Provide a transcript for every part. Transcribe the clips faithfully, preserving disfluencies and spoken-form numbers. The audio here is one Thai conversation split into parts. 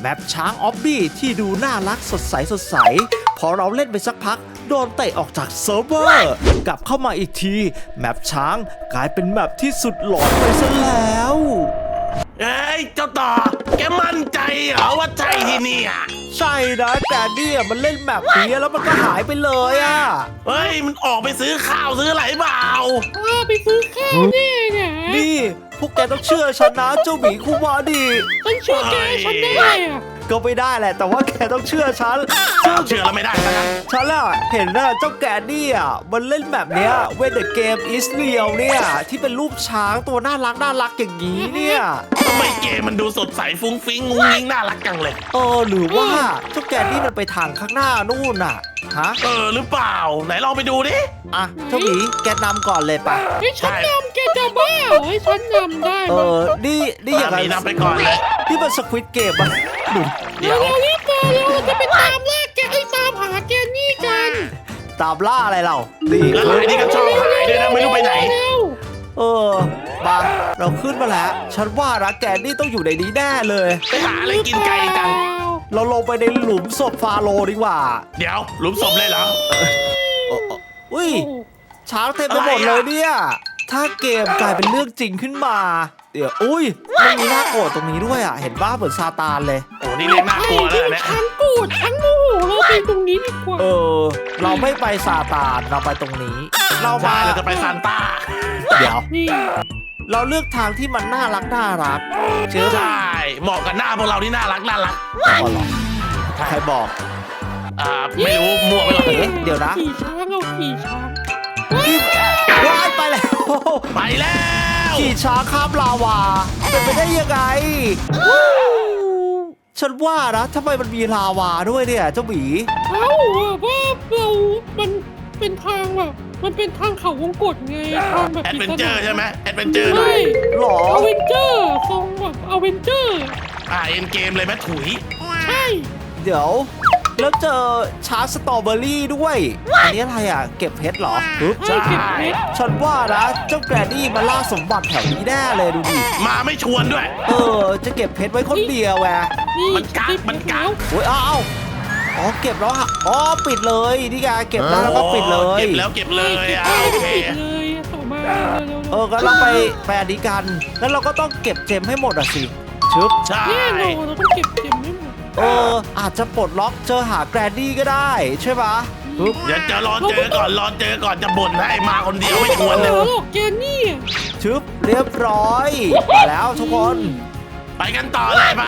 แมปช้างออบบี้ที่ดูน่ารักสดใสสดใสพอเราเล่นไปสักพักโดนเตะออกจากเซิร์ฟเวอร์กลับเข้ามาอีกทีแมปช้างกลายเป็นแมปที่สุดหลอนไปซะแล้วเอ้ยเจ้าต่อแกมั่นใจเหรอว่าใช่ที่นี่อ่ะใช่นะแต่เนี่ยมันเล่นแมปนี้แล้วมันก็หายไปเลยอ่ะเฮ้ยมันออกไปซื้อข้าวซื้ออะไรเปล่าอ้าไปซื้อข้าวแน่เนี่ยนี่พวกแกต้องเชื่อฉันนะเจ้าหมีคุมาดิฉันเชื่อแกฉันได้อะก็ไม่ได้แหละแต่ว่าแกต้องเชื่อฉันเชื่อแล้วไม่ได้นะฉันอะเห็นนะเจ้าแกนี่อ่ะมันเล่นแบบเนี้ย When the game is real เนี่ยที่เป็นรูปช้างตัวน่ารักน่ารักอย่างนี้เนี่ยทำไมเกมมันดูสดใสฟุ้งฟิ้งงุ้งงิ้งน่ารักจังเลยเออหรือว่าเจ้าแกนี่มันไปทางข้างหน้านู่นน่ะฮะเออหรือเปล่าไหนลองไปดูดิอ่ะเจ้าหมีแกนำก่อนเลยปะให้ฉันนำแกจะบ้าให้ฉันนำได้เออนี่นี่อย่างไรนำไปก่อนเลยนี่มันสควิดเกมอะเดี๋ยวเรารีบมาเราจะไปตามล่าแกไอ้ตามหาแกนี่กันตามล่าอะไรเราแล้วหลายนี่ก็ชอบหายด้วยนะไม่รู้ไปไหนเออมาเราขึ้นมาแล้วฉันว่านะแกนี่ต้องอยู่ในนี้แน่เลยไปหาอะไรกินไก่กันเราลงไปในหลุมศพฟาโรห์ดีกว่าเดี๋ยวหลุมศพเลยเหรออุ้ยช้างเต็มไปหมดเลยเนี่ยถ้าเกมกลายเป็นเรื่องจริงขึ้นมาเดี๋ยวอุ้ยมันมีหน้าโกรธตรงนี้ด้วยอ่ะเห็นบ้าเหมือนซาตานเลยโอ้นี่เรียกน่ากลัวแล้วเนี่ยฉันโกรธฉันโมโหเราไปตรงนี้ดีกว่าเออเราไม่ไปซาตานเราไปตรงนี้เรามาเราจะไปซานต้าเดี๋ยวเราเลือกทางที่มันน่ารักน่ารักเชื่อใช่เหมาะกับหน้าพวกเราที่น่ารักน่ารักอ๋อเหรอใครบอกอ่าไม่รู้มั่วไปหรอกเดี๋ยวนะขี่ช้างเอาขี่ช้างว้ายไปแล้วไปแล้วขี่ช้างข้ามลาวาเป็นไปได้ยังไงฉันว่านะทำไมมันมีลาวาด้วยเนี่ยเจ้าหมีเอ้าว่าเรามันเป็นทางแบบมันเป็นทางเขาวงกตไงทางแบบแอดเวนเจอร์ใช่ไหมแอดเวนเจอร์ใช่หรออเวนเจอร์ทรงแบบอเวนเจอร์อ่าเอ็นเกมเลยแม่ถุยใช่เดี๋ยวแล้วเจอชาร์สตรอเบอรี่ด้วยอันนี้อะไรอ่ะเก็บเพชรเหรอใช่เก็บเพชรฉันว่านะเจ้าแกรนดี้มาล่าสมบัติแถวนี้แน่เลยดูดิมาไม่ชวนด้วยเออจะเก็บเพชรไว้คนเดียวแหวมันกักมันกักโอ้ยอ้าวอ๋อเก็บแล้วอ๋อปิดเลยนี่ไงเก็บแล้วแล้วก็ปิดเลยเก็บแล้วเก็บเลยอ่ะโอเคเออก็เราไปแปลดีกันแล้วเราก็ต้องเก็บเจมให้หมดอ่ะสิชึบใช่แน่นอนเราต้องเก็บเจมให้หมดเอออาจจะปลดล็อกเจอหาแกรนดี้ก็ได้ใช่ปะเดี๋ยวจะรอเจอก่อนรอเจอก่อนจะบ่นให้มาคนเดียวไม่ชวนเลยแกนี่ชึบเรียบร้อยมาแล้วทุกคนไปกันต่อเลยไป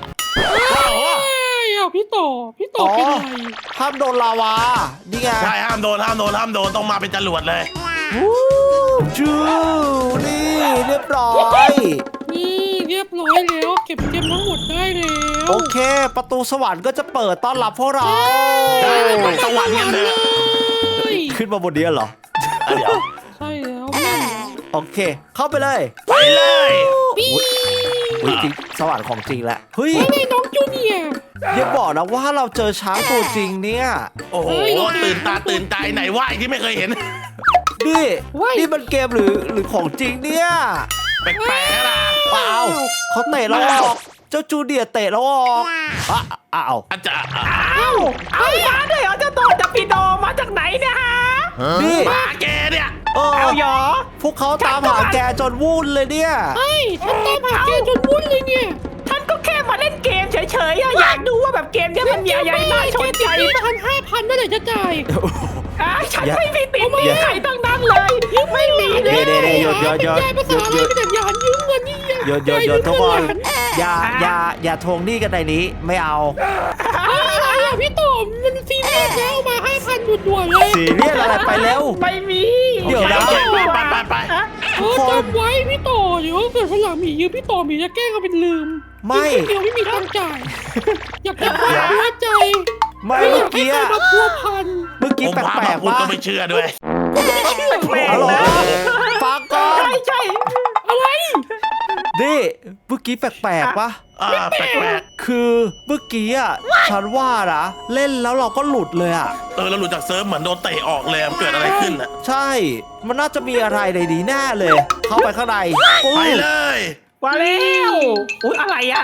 อ่ะพี่ต่อพี่ต่อเป็นไรห้ามโดนลาวานี่ไงใช่ห้ามโดนห้ามโดนห้ามโดนต้องมาเป็นจรวดเลยจูนี่เรียบร้อยนี่เรียบร้อยแล้วเก็บเกมทั้งหมดได้แล้วโอเคประตูสวรรค์ก็จะเปิดต้อนรับพวกเราไปสวรรค์กันเลยขึ้นมาบนนี้เหรอเดี๋ยวใช่แล้วโอเคเข้าไปเลยไปเลยจริงสวรรค์ของจริงแหละเฮ้ยไอ้น้องจูเนียร์อย่าบอกนะว่าเราเจอช้างตัวจริงเนี่ยโอ้โหตื่นตาตื่นใจไหนว่าที่ไม่เคยเห็นนี่นี่มันเกมหรือหรือของจริงเนี่ยแปลกๆล่ะเปล่าเขาเตะเราออกเจ้าจูเนียร์เตะเราออกอ้าวอาจารย์อ้าวเอามาด้วยเหรอเจ้าตัวจะปีโดมาจากไหนเนี่ยฮะนี่มาแกเนี่ยเอาหรอพวกเขาตามหาแกจนวุ่นเลยเนี่ยใช่ฉันตามหาแกจนวุ่นเลยเนี่ยฉันก็แค่มาเล่นเกมเฉยๆอยากดูว่าแบบเกมเนี้ยมันมีอะไรน่าชนใจพันห้าพันเมื่อไหร่จะจ่ายฉันไม่มีติดใครตั้งนั้นเลยไม่มีเลยเดี๋ยวเดี๋ยวหยุดหยุดหยุดหยุดหยุดหยุดหยุดยืมเงินนี่หยุดหยุดหยุดทุกคนอย่าอย่าอย่าทวงหนี้กันในนี้ไม่เอาอะไรอ่ะพี่ต่อมันซีเรียสแล้วมาห้าพันด่วนๆเลยซีเรียสอะไรไปเร็วไม่มีเดี๋ยวนะไปไปไปเออจำไว้พี่ต่อเดี๋ยวเกิดวันหลังมียืมพี่ต่อมีจะแกล้งเอาเป็นลืมไม่เดียวไม่มีตังจ่ายอยากจะพักหัวใจไม่เมื่อกี้มาพัวพันเมื่อกี้แปลกๆว่าก็ไม่เชื่อด้วยไม่เชื่อฟังก่อนใช่ใช่อะไรนี่เมื่อกี้แปลกๆปะแปลกๆคือเมื่อกี้อ่ะฉันว่านะเล่นแล้วเราก็หลุดเลยอ่ะเออเราหลุดจากเซิร์ฟเหมือนโดนเตะออกเลยเกิดอะไรขึ้นอ่ะใช่มันน่าจะมีอะไรในนี้แน่เลยเข้าไปข้างในไปเลยมาแล้วอุ้ยอะไรอ่ะ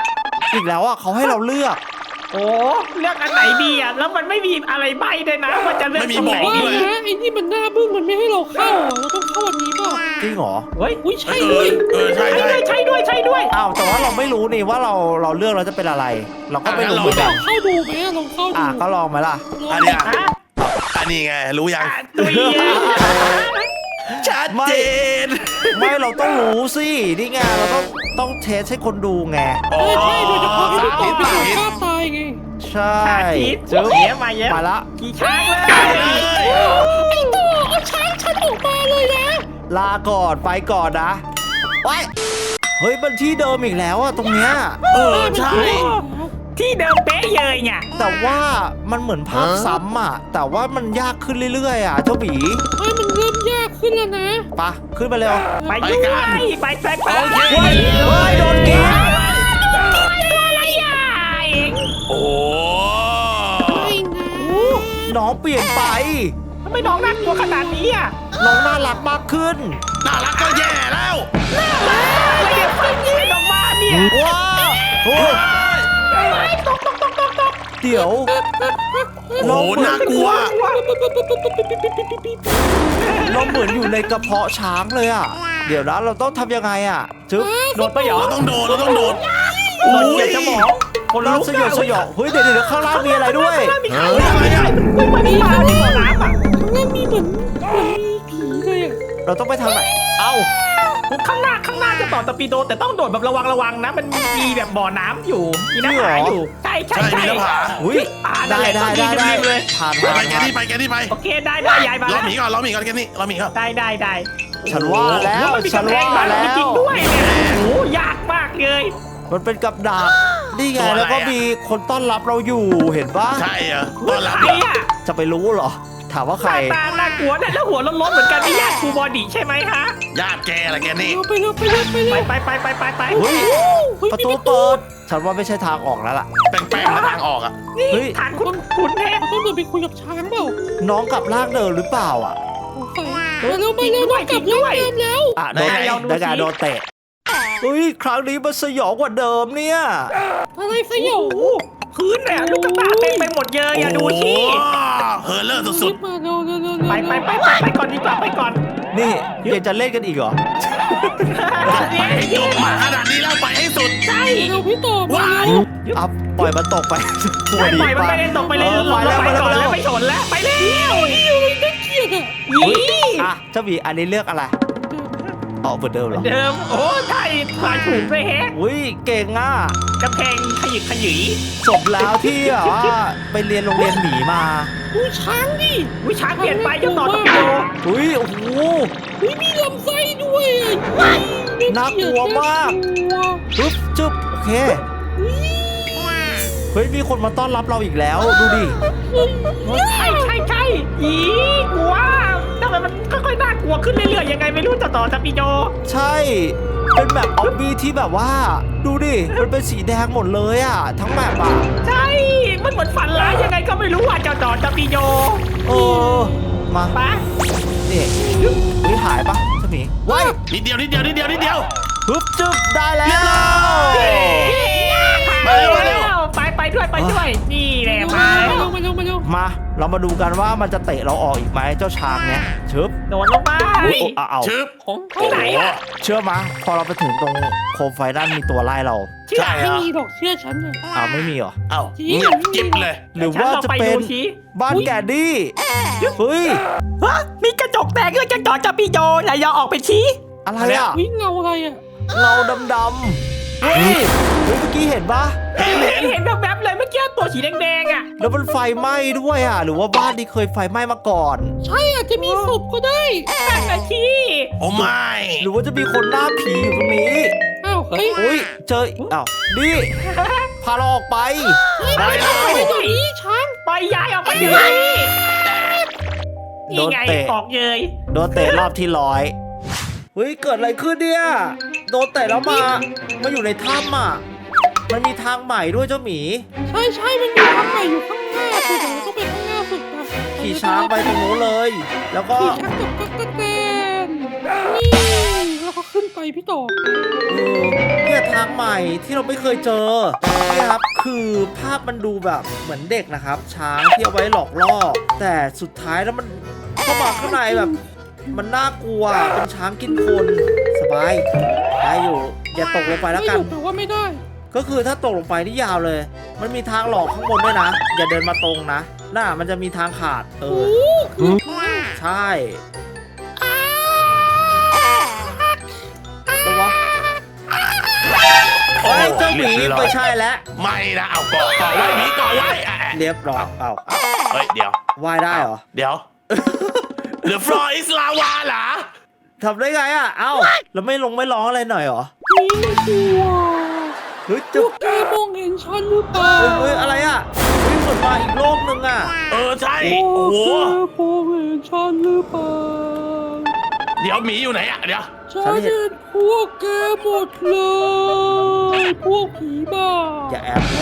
อีกแล้วอ่ะเขาให้เราเลือกโอ้เลือกอันไหนดีอ่ะแล้วมันไม่มีอะไรใบด้วยนะว่าจะเลือกตรงไหนว่าดีนะไอ้นี่มันหน้าบึ้งมันไม่ให้เราเข้าอ่ะเราต้องเข้าอันนี้เปล่าจริงเหรอเฮ้ยอุ้ยใช่เอด้วอย เออใช่ใช่ใช่ด้วยใช่ด้วยใช่ด้วยอ้าวแต่ว่าเราไม่รู้นี่ว่าเราเราเลือกเราจะเป็นอะไร เราก็ไม่รู้เหมือนลกัอน งเข้าดูไหมลองเข้าดูอ่ะก็ลองไหมล่ะอันเนี้ยฮะอันนี้ไงรู้ยังอ่ะตุยอ่ะชัดเจนไม่เราต้องรู้สินี่ไงเราต้องต้องเทสให้คนดูไงใช่ใช่โดยเฉพาะที่พี่ต่อเป็นคนสาธิตกล้าตายไงใช่สาธิตจึ๊บเย้มาเย้มาละขี่ช้างเลยไอ้ตัวเอาช้างฉันออกมาเลยนะลาก่อนไปก่อนนะไว้เฮ้ยมันที่เดิมอีกแล้วอะตรงเนี้ยเออใช่ที่เดิมเป๊ะเลยไงแต่ว่ามันเหมือนภาพซ้ำอะแต่ว่ามันยากขึ้นเรื่อยๆอะเจ้าหมีเฮ้ยมันเริ่มยากขึ้นแล้วนะไปะขึ้นไปเร็วไปด้วยไปไปไปโอเคเฮ้ยเฮ้ยโดนกินตัวอะไรอ่ะเองโอ้ไม่นะน้องเปลี่ยนไปทำไมน้องน่ากลัวขนาดนี้อ่ะน้องน่ารักมากขึ้นน่ารักก็แย่แล้วอะไรเดี๋ยวฟังยืนออกมาเนี่ยว้าวโอ้ยตกตกตกตกตกเดี๋ยวโอ้โหน่ากลัวเราเหมือนอยู่ในกระเพาะช้างเลยอะเดี๋ยวนะเราต้องทำยังไงอะจึ๊บโดนไปเหรอเราต้องโดนเราต้องโดนโดนเหยียบสมองคนเราลุกสยดสยองเฮ้ยเดี๋ยวเดี๋ยวข้างล่างมีอะไรด้วยมีใครอะไรอ่ะมันมีปลาที่บ่อน้ำอ่ะแล้วมีเหมือนเหมือนมีผีเลยอ่ะเราต้องไปทางไหนเอ้าข้างหน้าข้างหน้าจะต่อตะปีโดแต่ต้องโดดแบบระวังระวังนะ มันมีแบบบ่อน้ำอยู่มีน้ำหาอยู่ใช่ใช่ใช่มีใช่หน้าผาอุ้ยได้ได้ได้ได้ผ่านไปผ่านไปแกผ่านนี่ไปแกนี่ไปโอเคได้ได้ยายมาเราแล้วหมีก่อนเราหมีก่อนแกนี่เราหมีก่อนได้ได้ได้ฉันว่าแล้วมันมีฉันกำแพว่างบ้านแล้จริงวๆด้วยเนี่ยโอ้ยากมากเลยมันเป็นกับดักนี่ไงแล้วก็มีคนต้อนรับเราอยู่เห็นปะใช่เหรอตอนรับใครเหรออ่ะจะไปรู้เหรอ ถามว่าหใครน้าตาน่ากลัวเนี่ยแล้วหัวล้นๆเหมือนกันนี่ญาติครูบอดี้ใช่ไหมฮะญาติแกอะไรแกนี่เราไปเร็วไปเร็วไปเร็วไปไปไปไปไปไปเฮ้ยเฮ้ยประตูเปิด ฉันว่าไม่ใช่ทางออกแล้วล่ะแป้งๆมาทางออกอ่ะเฮ้ยทางคุณคุณแท้เราต้องเดินไปคุยกับช้างเปล่าน้องกลับร่างเดิมหรือเปล่าอ่ะสงสัยมาเร็วมาเร็วต้องกลับร่างเดิมแล้วอ่ะโดนดังการโดนเตะเฮ้ยครั้งนี้มันสยองกว่าเดิมเนี่ยอะไรสยองพื้นเนี่ยลูกตาเต็มไปหมดเลยอย่าดูที่โอ้โหเฮอร์เลอร์สุดมาเร็วเร็วเร็วเร็วไปไปไปไปไปก่อนดีกว่าไปก่อนนี่ยังจะเล่นกันอีกเหรอๆไปให้จบมาขนาดนี้แล้วไปให้สุดใช่เร็วพี่ต่อมาว้ายเร็วเอาปล่อยมันตกไปปวไปดดีปล่อยมันไปเลยตกไปเลยออลไปงแล้วไปไปแล้วก่อนไปแล้แล้ววไปชนแล้วไปเร็วนี่อะไรน่าเกลียดอ่ะยี่อ่ะเจ้าหมีอันนี้เลือกอะไรอ๋อเหมือนเดิมเหรอเดิมโอ้ใช่ทายถูกด้วยแฮะอุ้ยเก่งอ่ะกำแพงขยิบขยี้สมแล้วที่แบบว่าไปเรียนโรงเรียนหมีมาดูช้างดิวิชาเปลี่ยนไปจะต่อตะปีโดอุ้ยโอ้โหเฮ้ยมีลำไส้ด้วยอ่ะน่ากลัวมาก จึ๊บจึ๊บโอเคเฮ้ยมีคนมาต้อนรับเราอีกแล้วดูดิใช่ใช่ใช่อีกลัวทำไมมันค่อยๆน่ากลัวขึ้นเรื่อยๆยังไงไม่รู้ต่อต่อตะปีโดใช่ เป็นแบบออบบี้ที่แบบว่า ดูดิมันเป็นสีแดงหมดเลยอ่ะ ทั้งแบบอ่ะใช่มันเหมือนฝันร้ายยังไงก็ไม่รู้อ่ะเจ้าต่อตะปีโดเออมาไปนี่วิหายปะเจ้าหมีว้ายนิดเดียวนิดเดียวนิดเดียวนิดเดียวฮึบจึ๊บได้แล้วมาเร็วมาเร็วไปไปด้วยไปด้วยนี่แหละมามาเร็วมาเร็วมาเร็วมาเรามาดูกันว่ามันจะเตะเราออกอีกไหมเจ้าช้างเนี้ยชึบโดนลงไปอุ๊ยโอ้เอาเอาชึบของที่ไหนอะเชื่อมะพอเราไปถึงตรงโคมไฟนั่นมีตัวไล่เราเชื่อใช่เหรไม่อมีดอกเชื่อฉันเนี่ยอ้าวไม่มีเหรอเอ้าจริงเงียบกิ๊บเลยหรือว่าจะเป็นฉัลองไดูสิบ้านแกดดี้เฮ้ยฮะมีกระจกแตกด้วยจะต่อจะปีโดไหนยอออกไปชี้อะไรอ่ะวิ่งเงาอะไรอ่ะเงาดำๆเฮ้ยเฮ้ยเมื่อกี้เห็นปะเห็นเห็เห็นนเห็นแบบแบบๆเลยเมื่อกี้ตัวสีแดงๆอ่ะแล้วมันไฟไหม้ด้วยอ่ะ หรือว่าบ้านนี้เคยไฟไหม้มาก่อนใช่อาจจะมีศพก็ได้นั่นนะชี้โอ้ไม่หรือว่าจะมีคนหน้าผีอยู่ตรงนี้อ้าวเฮ้ยอุ้ยเจออ้าวนี่พาเราออกไปไปแล้ไปวเดี๋ยวนี้ช้างปล่อยยายออกไปเดี๋ยวนี้โดนี่นไงเตะออกเยยโดนเตะรอบที่ร้อยเฮ้ยเกิดอะไรขึ้นเนี่ยโดนเตะแล้วมามาอยู่ในถ้ำอ่ะมันมีทางใหม่ด้วยเจ้าหมีใช่ใช่มันมีทางใหม่อยู่ข้างหน้าสุดเดี๋ยวเราต้องไปข้างหน้าสุดนะขี่ช้างไปตรงนู้นเลย แล้วก็ขี่ช้างกับตั๊กแตนนี่แล้วก็ขึ้นไปพี่ต่อเออเนี่ยทางใหม่ที่เราไม่เคยเจอนี่ครับคือภาพมันดูแบบเหมือนเด็กนะครับ ช้างที่เอาไว้หลอกล่อแต่สุดท้ายแล้วมันเข้ามาข้างในแบบ มันน่ากลัวเป็นช้างกินคนสบายได้อยู่อย่าตกลงไปแล้วกันไม่อยู่แต่ว่าไม่ได้ก็คือถ้าตกลงไปนี่ยาวเลย มันมีทางหลอกข้างบนด้วยนะ อย่าเดินมาตรงนะน่ามันจะมีทางขาดเอโอ้อคือใช่ตัววะโอ้ยเจ้าหมีไม่ใช่แล้วไม่นะเอาเกาะเกาะไว้หมีเกาะไว้อ่ะเรียบร้อยเปล่าเฮ้ยเดี๋ยวว่ายได้เหรอเดี๋ยว The floor is lava เหรอทำได้ไงอ่ะเอ้าแล้วไม่ลงไม่ร้องอะไรหน่อยเหรอนี่ไม่กลัวเฮ้ยพจุ๊วบกแกมองเห็นฉันหรือเปล่าเฮ้ยเฮ้ยอะไรอ่ะเฮ้ยเหมือนมาอีกโลกนึงอ่ะเออใช่พวโอ้กโหแกมองเห็นฉันหรือเปล่าเดี๋ยวหมีอยู่ไหนอ่ะเดี๋ยวฉันเห็นพวกแกหมดเลย พวกผีบ้าอย่าแอบ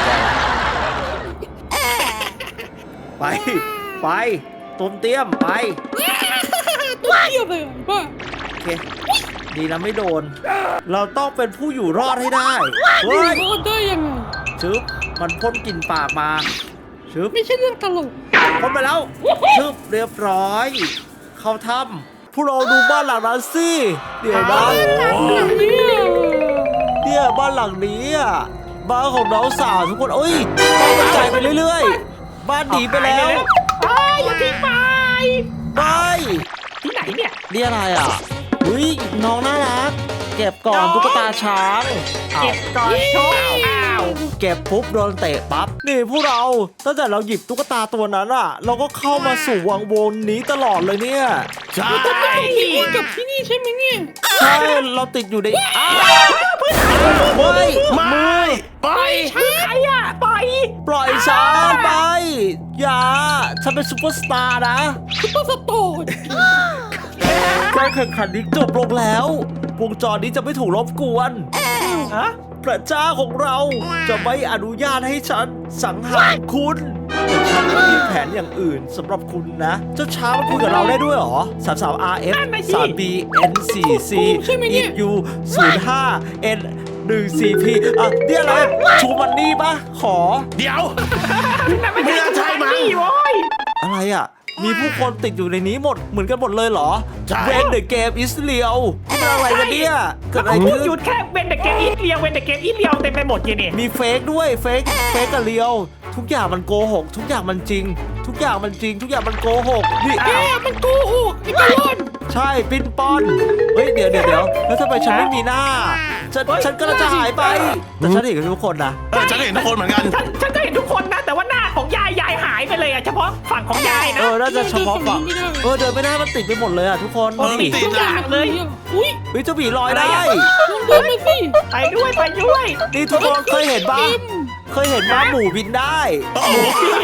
ไปไปต้มเตี้ยมไปตัวเทียบเลยบ้าโอเค ดีนะไม่โดน เราต้องเป็นผู้อยู่รอดให้ได้ เฮ้ยรอดได้ยังไงชึบมันพ่นกลิ่นปากมาชึบไม่ใช่เรื่องตลกพ่นไปแล้วชึบเรียบร้อย เข้าถ้ำพวกเราดูบ้านหลังนั้นสิเดี๋ยวนะอย่างนี้เนี่ยบ้านหลังนี้อ่ะบ้านของน้องสาวทุกคนเอ้ยบ้านกระจายไปเรื่อยๆ บ้านหนีไปแล้วเอ้ยอย่าทิ้งไปไปที่ไหนเนี่ยนี่อะไรอ่ะอุ้ยน้องน่ารัก เก็บก่อนตุ๊กตาช้างอ้าวเก็บก่อนโชว์อ้าวเก็บปุ๊บโดนเตะปั๊บนี่พวกเราตั้งแต่เราหยิบตุ๊กตาตัวนั้นอ่ะ เราก็เข้ามาสู่วังวนนี้ตลอดเลยเนี่ยใช่ที่นี่กับที่นี่ใช่ไหมเนี่ยใช่เราติดอยู่ในอ้าวเฮ้ยไม่ไปใครอ่ะปล่อยปล่อยฉันไปอย่าฉันเป็นซุปเปอร์สตาร์นะซุปเปอร์สโตร์การแข่งขันนี้จบลงแล้ววงจรนี้จะไม่ถูกรบกวนฮะพระเจ้าของเราจะไม่อนุญาตให้ฉันสังหารคุณแต่ฉันก็มีแผนอย่างอื่นสำหรับคุณนะ เจ้าช้างมันคุยกับเราได้ด้วยเหรอ สาม สาม อาร์ เอฟ สาม บี เอ็น สี่ ซี อี ยู ศูนย์ ห้า เอ็น หนึ่ง สี่ พี อ่ะเนี่ยอะไรชูมันนี่ปะขอเดี๋ยวนั่นไม่ไม่น่าใช่มั้งนี่โว้ยอะไรอ่ะ มีผู้คนติดอยู่ในนี้หมดเหมือนกันหมดเลยเหรอใช่เวนเดอะเกมอิสเรียลนี่เป็นอะไรกันเนี่ยเกิดอะไรพูดขึ้นหยุดแค่เวนแต่เกมอีเลียวเวนแต่เกมอีเลียวเต็มไปหมดเลยเนี่ยมีเฟกด้วยเฟกเฟกกับเรียว ทุกอย่างมันโกหก ทุกอย่างมันจริง ทุกอย่างมันจริง ทุกอย่างมันโกหกนี่แกมันโกหกไอ้กะล่อนใช่ปิ้นป้อนเฮ้ยเดี๋ยวเดี๋ยวเดี๋ยวแล้วทำไมฉันไม่มีหน้า ฉันฉันก็จะหายไป แต่ฉันเห็นกับทุกคนนะเออฉันเห็นทุกคนเหมือนกันฉันฉันก็เห็นทุกคนนะ แต่ว่าหน้าของยายยายหายไปเลยอะเฉพาะฝั่งของยายเอนะอน่าจะเฉพาะฝั่งเออเดินไม่ได้มันติดไปหมดเลยอ่ะทุกคนเออนี่ติดทุกอย่างเลย อุ้ยเฮ้ยเจ้าหมีลอยได้ลองเดินมาสิไปด้วยไปด้วยนี่ทุกคนเคยเห็นปะเต็มเคยเห็นม้าหมูบินได้โอ้โห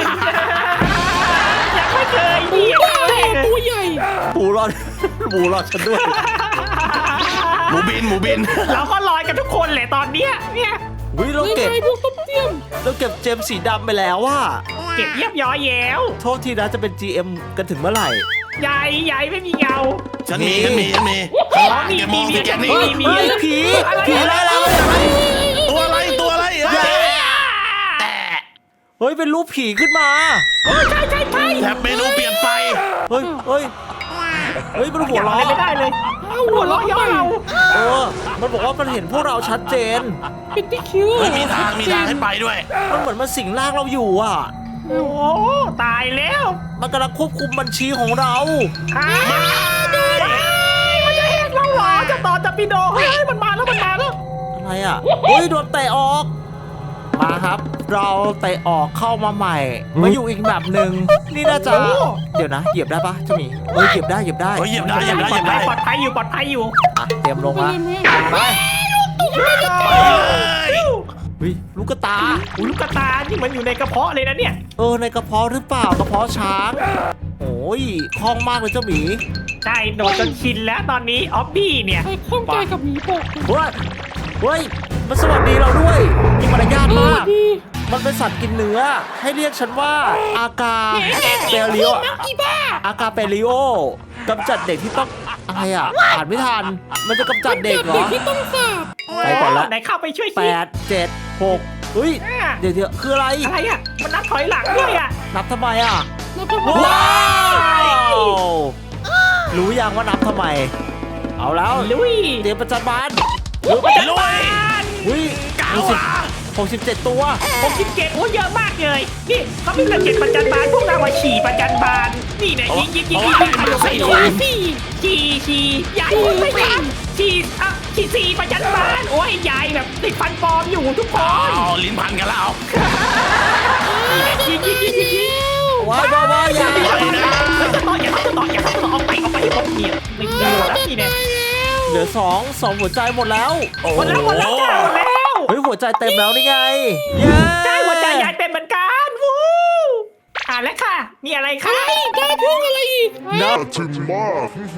ยังไม่เคยเหยียบบ้าเลยตัวใหญ่หมูรอด หมูรอดฉันด้วยหมูบินหมูบินเราก็ลอยกันทุกคนแหละตอนเนี้ยเนี่ยวิเรายังเก็บไงพวกต้มเตี้ยมเราเก็บเจมส์สีดำไปแล้วว่าเก็บเยียบย้อยแย้วโทษทีนะจะเป็น จี เอ็ม กันถึงเมื่อไหร่ยายยายไม่มีเงาฉันมีฉันมีฉันมีข้างล่างแกมองสิแกนี่เฮ้ยเฮ้ยผี ผีไล่เราเลยตัวอะไรตัวอะไรเอ้ยแต่เฮ้ยเป็นรูปผีขึ้นมาใช่ใช่ใช่แถบเมนูเปลี่ยนไปเฮ้ยเฮ้ยเฮ้ยมันหัวเราะไม่ได้เลยหัวเราะย่อเราเออ มันบอกว่ามันเห็นพวกเราชัดเจนเป็นที่คิ้วเฮ้ยมีทางมีทางให้ไปด้วยมันเหมือนมันสิงร่างเราอยู่อ่ะโอ้ตายแล้วมันกำลังควบคุมบัญชีของเราอ้าวมันจะแหกเราเหรอจะต่อจะปีโดเฮ้ยมันมาแล้วมันมาแล้วอะไรอ่ะ เฮ้ยโดนเตะออก มาครับ เราเตะออกเข้ามาใหม่ มาอยู่อีกแบบหนึ่งนี่น่าจะ เดี๋ยวนะ เหยียบได้ปะเจ้าหมีเฮ้ยเหยียบได้เหยียบได้เฮ้ยเหยียบได้เหยียบได้เหยียบได้ปลอดภัยอยู่ปลอดภัยอยู่อ่ะเตรียมลงไปมาเลยแม่ไปเฮ้ยเฮ้ยลูกกระตาอุ้ยลูกกระตานี่มันอยู่ในกระเพาะเลยนะเนี่ยเออในกระเพาะหรือเปล่ากระเพาะช้างโอ้ยคล่องมากเลยเจ้าหมีใช่โดนจนชินแล้วตอนนี้ออฟบี้เนี่ยไอ้ข้องใจกับหมีบอกเฮ้ยเฮ้ยมันสวัสดีเราด้วยมีมารยาทเออมากดีมันเป็นสัตว์กินเนื้อ ให้เรียกฉันว่าอากาเปริโออีบ้าอากาเปริโอกำจัดเด็กที่ต้องอะไรอ่ะอ่านไม่ทันมันจะกำจัดเด็กเหรเด็อกที่ต้องสาบไปก่อนละไหนเข้าไปช่วยแปสิดเจ็ดหกเฮ้ยอ่ะเดี๋ยวเดี๋ยวคืออะไรอะไรอ่ะมันนับถอยหลังด้วยอ่ะนับทำไมอ่ะแล้วก็ว้าวรู้ยังว่านับทำไม เอาแล้วลุยเตรียมประจันบานลุยประจันลุบาย นอุ้ยเก้าหกสิบอ่ะหกสิบเจ็ดตัวหกสิบเจ็ดโอ้เยอะมากเลยนี่เขามีกระเจ็ดประจันบานพวกเราอะฉี่ประจันบานนี่เนี่ยยิงยิงยิงยิงยิงยิงสี่ยิงสี่ฉี่ฉี่ยายไม่ทันฉี่อ่ะฉี่สี่ประจันบานโอ้ยยายแบบติดฟันปลอมอยู่ทุกคนเอาลิ้นพันกันแล้วเอายิงยิงยิงยิงยิงว้าวว้าวว้าวอย่าอย่าต่ออย่าต่ออย่าต่ออย่าต่อออกไปออกไปให้หมดเนี่ยไม่ดีแล้วนี่เนี่ยเหลือสองสองหัวใจหมดแล้วโอ้หมดแล้วหมดแล้วจ้าหมดแล้วเฮ้ยหัวใจเต็มแล้วนี่ไงเย้ใช่หัวใจยายเป็นเหมือนกันวู้อ่านแล้วค่ะมีอะไรคะได้ได้เพิ่งอะไรอีกนับถึงมาก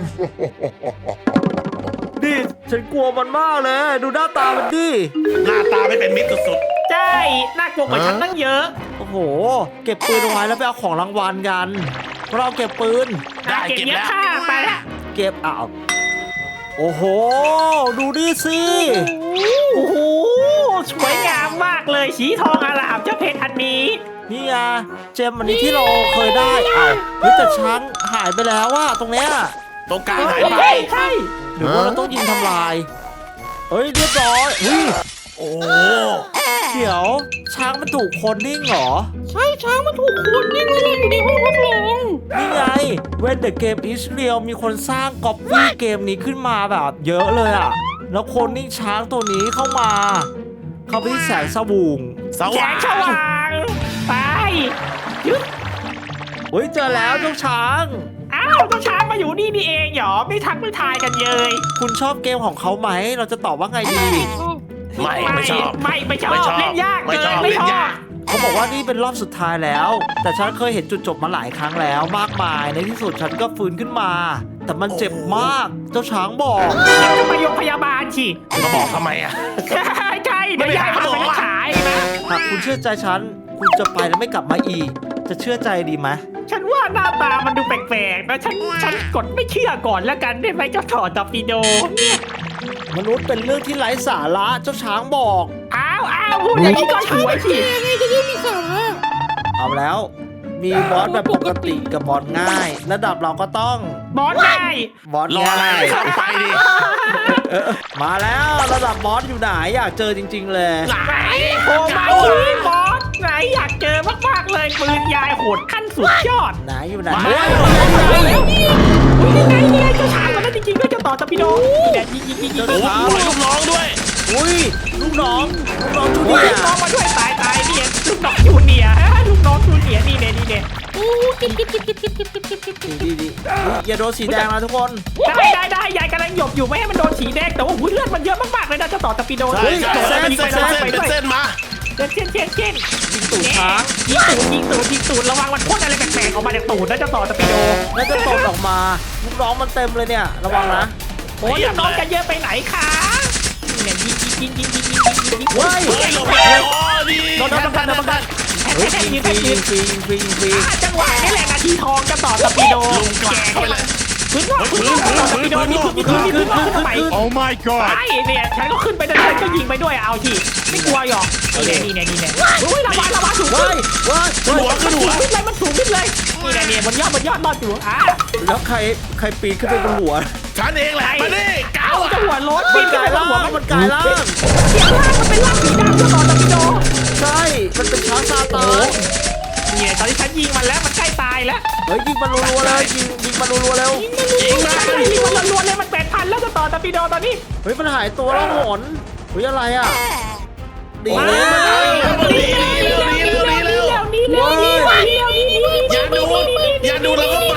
ดิฉันกลัวมันมากเลย ดูหน้าตามันดิหน้าตาไม่เป็นมิตรสุดใช่น่ากลัวกว่าฉันตั้งเยอะโอ้โห เก็บปืนเอาไว้แล้วไปเอาของรางวัลกันเราเก็บปืนๆได้เก็บเก็บเยอะแล้วค่ะไปละเก็บอ้าวโอ้โห ดูดิสิโอ้โหสวยงามมากเลยสีทองอารามเจ้าเพชรอันนี้นี่ไงเจมอันนี้ที่เราเคยได้อ้าวเฮ้ยแต่ช้างหายไปแล้วว่าตรงเนี้ยตรงกลางหายไปใช่ใช่หรือว่าเราต้องยิงทำลายเฮ้ยเรียบร้อยอุ้ยโอ้เดี๋ยวช้างมันถูกคนนิ่งเหรอใช่ช้างมันถูกคนนิ่งเลยอยู่ในห้องทดลองนี่ไง When the game is real มีคนสร้างก๊อปปี้เกมนี้ขึ้นมาแบบเยอะเลยอะแล้วคนนิ่งช้างตัวนี้เข้ามา เข้าไปที่แสงสว่างสแสว่าง งสว่างไปยึดเฮ้ยเจอแล้วเจ้าช้างอ้าวเจ้าช้างมาอยู่นี่นี่เองเหรอไม่ทักไม่ทายกันเลยคุณชอบเกมของเขาไหม เราจะตอบว่าไงดีชอบไม่ไม่ชอบไม่ไม่ชอบไม่ชอบเล่นยากไม่ชอบเกินไม่เล่ชนอบยากเขาบอกว่านี่เป็นรอบสุดท้ายแล้ว แต่ฉันเคยเห็นจุดจบมาหลายครั้งแล้วมากมาย ในที่สุดฉันก็ฟื้นขึ้นมา แต่มันเจ็บมาก เจ้าช้างบอกอยากจะไปโรงพยาบาลสิมาบอกทำไมอ่ะใช่ใช่เดี๋ยวยายพาไปรักษาเองนะหากคุณเชื่อใจฉัน คุณจะไปแล้วไม่กลับมาอีก จะเชื่อใจดีไหมฉันว่าหน้าตามันดูแปลกๆนะฉันฉันกดไม่เชื่อก่อนแล้วกันได้ไหมเจ้าถอดตอร์ปิโดมนุษย์เป็นเรื่องที่ไร้สาระเจ้าช้างบอกอ้าวอ้าวพูดอย่างนี้ก็ช่วยสิยังไงจะได้มีสาระเอาแล้ว มีบอสแบบปกติกับบอสง่าย ระดับเราก็ต้องบอสได้บอสรออะไรง่ายเข้าไปดิมาแล้วระดับบอสอยู่ไหนอยากเจอจริง ๆ เลยไหนโผล่มาสิบอสไหนอยากเจอมากๆเลยปืนยายโหดขั้นสุดยอดไหนอยู่ไหนมาเฮ้ยอุ้ยนี่ไงนี่ไงเจ้าช้างมันนั่นจริงๆด้วยเจ้าต่อตอร์ปิโดนี่แหละยิงยิงยิงยิงโอ้โหปล่อยลูกน้องด้วยอุ้ยลูกน้องลูกน้องจูลูเนียกน้องมาด้วยตายตายนี่ลูกน้องจูเนียร์ลูกน้องจูเนียร์นี่เนี่ยนี่เนี่ยโอ้เก็บเก็บเก็บเก็บเก็บเก็บเก็บเก็บเก็บดีดีดีอุ๊ยอย่าโดนสีแดงนะทุกคนได้ได้ได้ยายกำลังหยบอยู่ไม่ให้มันโดนสีแดงแต่ว่าหุ้ยเลือดมันเยอะมากๆเลยนะเจ้าต่อตอร์ปิโดใช่ใช่ใช่เป็นเส้นเป็นเส้นเป็นเส้นมาเช่นเช่นเช่นเช่นยิงตูดช้างยิงตูดยิงตูดยิงตูดระวังมันพ่นอะไรแปลกๆออกมาจากตูดนะเจ้าต่อตอร์ปิโดแล้วจะตกออกมาลูกน้องมันเต็มเลยเนี่ยระวังนะโอ้ยน้องจะเยอะไปไหนคะนี่เนี่ยยิงยิงยิงยิงยิงยิงยิงยิงเฮ้ยเฮ้ยหลบเลยอ๋อดีโดนโดนโดนโดนโดนเฮ้ยยิงฟรียิงฟรียิงฟรียิงฟรีจังหวะนี่แหละนาทีทองจะต่อตอร์ปิโดลุงกลางเข้าไปเลยพื้นนอกพื้นนอกตอร์ปิโดนี่คือมีพื้นมีพื้นนอกขึ้นไป Oh my god ไอ้เนี่ยฉันก็ขึ้นไปเดินก็ยิงไปด้วยเอาทีไม่กลัวหรอกนี่เนี่ยนี่เนี่ยนี่เนี่ยอุ้ยระวังระวังสูงเฮ้ขึ้นยเฮ้ยขึ้นหัวขึ้นหัวขึ้นเลยมันสูงขึ้นเลยนี่เนี่ยเนี่ยบนยอดบนยอดรอดอยู่อ่ะแล้วใครใครปีนขึ้นไปบนหัวฉันเองแหละมาดิเก้าเอาอ่ะจะหัวรถมันกลายร่างหัวมันกลายร่างเสียงล่างมันเป็นล่างสีดำเจ้าต่อตอร์ปิโดใช่มันเป็นช้างซาตานเนี่ยตอนที่ฉันยิงมันแล้วมันใกล้ตายแล้วเฮ้ยยิงมันรัวๆเลยยิงยิงมันรัวๆเร็วยิงมาใช่ยิงมันรัวๆเลยมันแปดพันแล้วจะต่อตอร์ปิโดตอนนี้เฮ้ยมันหายตัวแล้วหนเฮ้ยอะไรอ่ะดีมาเลยเร็วเร็วเร็วเร็วเร็วเร็วนี่เร็วนี่เร็วนี่เร็วนี่เร็วอย่าดูอย่าดูแล้วก็ไป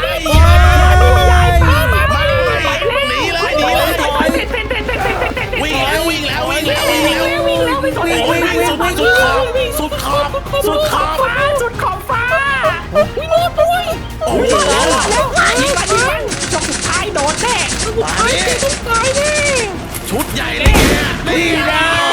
มาหนีเลยหนีเลยวิ่งแล้ววิ่งแล้ววิ่งแล้ววิ่งแล้ววิ่งแล้ววิ่งโอ้ยวิ่งสุดสุดขอบสุดขอบสุดขอบฟ้าสุดขอบฟ้าวิ่งรอดด้วยโอ้โหแล้วยิงมันยิงมันจบสุดท้ายโดนแน่มาดิต้องตายแน่ชุดใหญ่เลยเนี่ยนี่นะ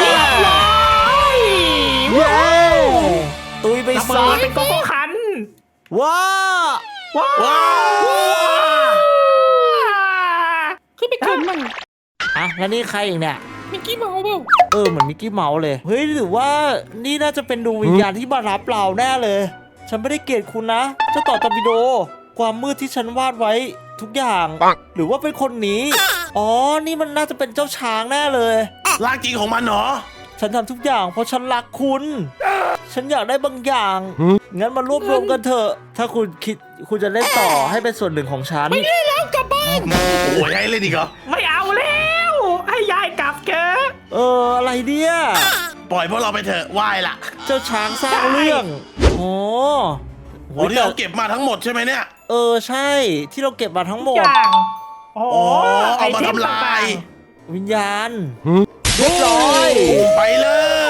เย้ตุยไประเบิซะดเป็นโกโก้คันว้าว้าว้าววไม่เกิดใหม่อ่ะแล้วนี่ใครอีกเนี่ยมิกกี้เมาส์เปล่าเออเหมือนมิกกี้เมาส์เลยเฮ้ยหรือว่านี่น่าจะเป็นดวงวิญญาณที่มารับเราแน่เลย ฉันไม่ได้เกลียดคุณนะเจ้าต่อตอร์ปิโดความมืดที่ฉันวาดไว้ทุกอย่างหรือว่าเป็นคนนี้อ๋อนี่มันน่าจะเป็นเจ้าช้างแน่เลยร่างจริงของมันเหรอฉันทำทุกอย่างเพราะฉันรักคุณ ฉันอยากได้บางอย่าง งั้นมารวบรวมกันเถอะ ถ้าคุณคิดคุณจะเล่นต่อให้เป็นส่วนหนึ่งของฉันไม่ได้แล้วกลับบ้านโอ้ยให้เล่นอีกเหรอไม่เอาแล้วให้ยายกลับเถอะเอออะไรเนี่ยปล่อยพวกเราไปเถอะไหว้ละเจ้าช้างสร้างเรื่องโอ้โอ้ที่เราเก็บมาทั้งหมดใช่ไหมเนี่ยเออใช่ที่เราเก็บมาทั้งหมทุกดอย่างโอ้โอ้ไอเอามาเทมทำลาต่างยวิญญาณเรียบร้อยไปเลย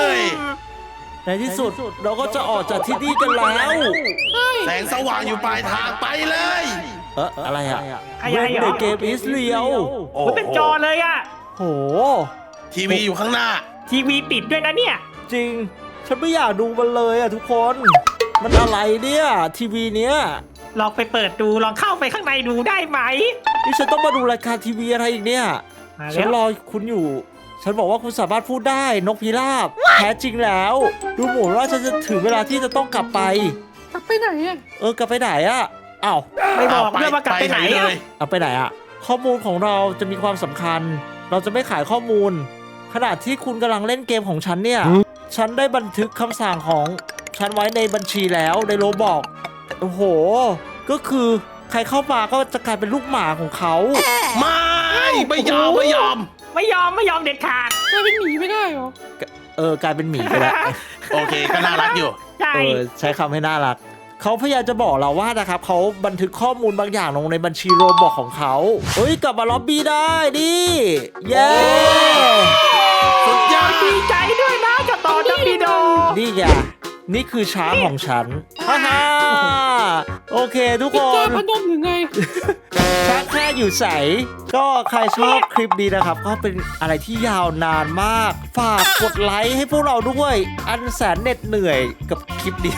ในที่สุดเราก็จะออกจากที่นี่กันแล้วใช่แสงสว่างอยู่ปลายทางไปเลยเอออะไรอะไอ้ไอ้ When เหร the อ game is real โอ้มันเป็นจอเลยอะโหทีวีอยู่ข้างหน้าทีวีติดด้วยนะเนี่ยจริง ฉันไม่อยากดูมันเลยอะทุกคน มันอะไรเนี่ยทีวีเนี้ยลองไปเปิดดูลองเข้าไปข้างในดูได้ไหมนี่ฉันต้องมาดูรายการทีวีอะไรอีกเนี่ยมาฉันแล้วรอคุณอยู่ ฉันบอกว่าคุณสามารถพูดได้นกพิราบแท้จริงแล้ว ดูเหมือนว่าฉันจะถึงเวลาที่จะต้องกลับไปกลับไปไหนอ่ะเออกลับไปไหนอะอ้าวไม่บอกเรื่องว่ากลับไปไหนเลอะยเอาไปไหนอะข้อมูลของเราจะมีความสำคัญ เราจะไม่ขายข้อมูล ขณะที่คุณกำลังเล่นเกมของฉันเนี่ย ฉันได้บันทึกคำสั่งของฉันไว้ในบัญชีแล้วในโรบอกโอ้โห ก็คือใครเข้ามาก็จะกลายเป็นลูกหมาของเขาไม่ไม่ยอมไม่ยอมไม่ยอมไม่ยอมเด็ดขาดกลายเป็นหมีไม่ได้เหรอเออกลายเป็นหมีไปแล้วโอเคก็น่ารักอยู่ใช่เออใช้คำให้น่ารัก เขาพยายามจะบอกเราว่านะครับเขาบันทึกข้อมูลบางอย่างลงในบัญชีโรบอกของเขาเฮ้ยกลับมาล็อบบี้ได้ดิเย้สุดยอดดีใจด้วยนะเจะต่อจะปีโดนี่ไงนี่คือช้างของฉันฮ่าฮ่าโอเคทุกเป็นคจาน พนมหรือไงช้างแค่อยู่ใสก็ใครชอบคลิปนี้นะครับ ก็เป็นอะไรที่ยาวนานมาก ฝากกดไลค์ให้พวกเราด้วย อันแสนเหน็ดเหนื่อยกับคลิปนี้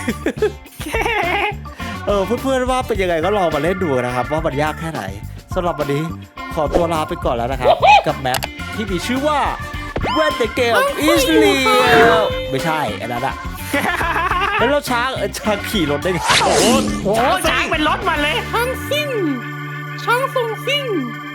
เออเพื่อนๆว่าเป็นยังไงก็ลองมาเล่นดูนะครับ ว่ามันยากแค่ไหนสำหรับวันนี้ขอตัวลาไปก่อนแล้วนะครับ กับแมปที่มีชื่อว่า When the game is real ไม่ใช่อันนั้นอะแล้วเราช้างเออช้างขี่รถได้ไงโอ้โหโอ้ช้างเป็นรถมาเลยช้างซิ่ง ช้างทรงซิ่ง